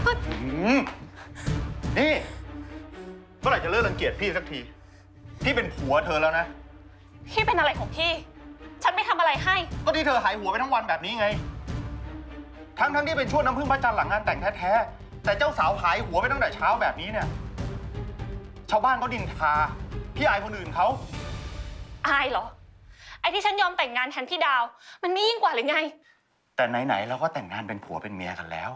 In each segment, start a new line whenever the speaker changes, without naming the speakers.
นี่เมื่อไหร่จะเลิกรังเกียจพี่สักทีพี่เป็นผัวเธอแล้วนะ
พี่เป็นอะไรของพี่ ฉันไม่ทำอะไรให้
ก็ที่เธอหายหัวไปทั้งวันแบบนี้ไงทั้งที่เป็นช่วงน้ำพึ่งพระจันทร์หลังงานแต่งแท้ๆแต่เจ้าสาวหายหัวไปตั้งแต่เช้าแบบนี้เนี่ยชาวบ้านเขาดินทาพี่อายคนอื่นเขา
อายเหรอไอ้ที่ฉันยอมแต่งงานแทนพี่ดาวมันไม่ยิ่งกว่าหรือไง
แต่ไหนๆเราก็แต่งงานเป็นผัวเป็นเมียกันแล้ว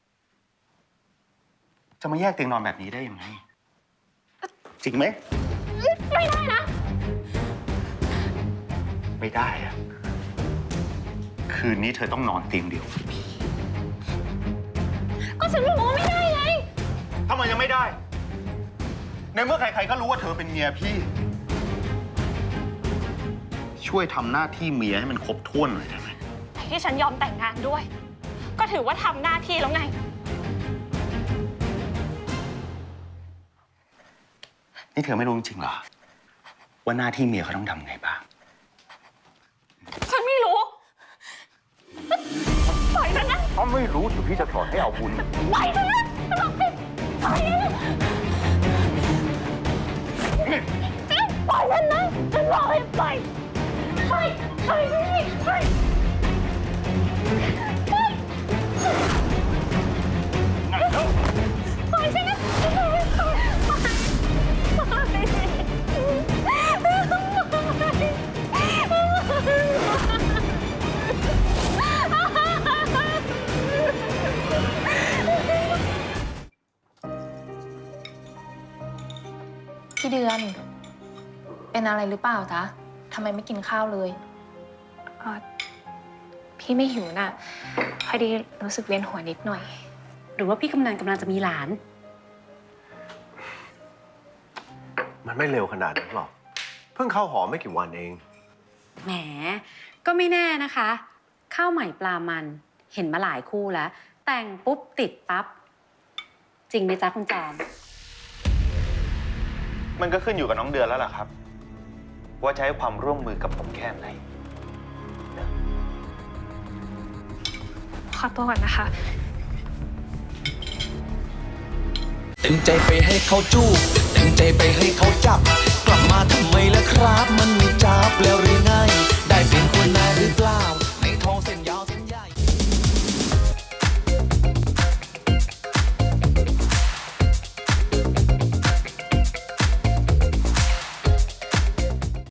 จะมาแยกเตียงนอนแบบนี้ได้ยังไงจริงไหม
ไม่ได้นะ
ไม่ได้อะคืนนี้เธอต้องนอนเตียงเดียว
ก็ฉันบอกว่าไม่ได้ไง
ทำไมยังไม่ได้ในเมื่อใครๆก็รู้ว่าเธอเป็นเมียพี่ช่วยทำหน้าที่เมียให้มันครบถ้วนหน่อยได้ไหม
ที่ฉันยอมแต่งงานด้วยก็ถือว่าทำหน้าที่แล้วไง
นี่เธอไม่รู้จริงเหรอว่าหน้าที่เมียเขาต้องทำไงบ้าง
ฉันไม่รู้ปล่อยฉันนะ
ถ้าไม่รู้เดี๋ยวพี่จะสอนให้เอาบุญ
ปล่อยฉันนะจะบอกสิปล่อยฉันนะฉันบอกให้ปล่อยปล่อยปล่อยปล่อยปล่อยฉันนะ
พี่เดือนเป็นอะไรหรือเปล่าจ๊ะทำไมไม่กินข้าวเลย
พี่ไม่หิวน่ะพอดีรู้สึกเวียนหัวนิดหน่อยหรือว่าพี่กำลังจะมีหลาน
มันไม่เร็วขนาดนั้นหรอกเพิ่งเข้าหอไม่กี่วันเอง
แหมก็ไม่แน่นะคะข้าวใหม่ปลามันเห็นมาหลายคู่แล้วแต่งปุ๊บติดปั๊บจริงไหมจ๊ะคุณจอม
มันก็ขึ้นอยู่กับน้องเดือนแล้วล่ะครับว่าจะให้ความร่วมมือกับผมแค่ไหน
ขอตัวก่อนนะคะ
เต็มใจไปให้เขาจูบเต็มใจไปให้เขาจับกลับมาทำไมล่ะครับมันไม่จับแล้วหรือ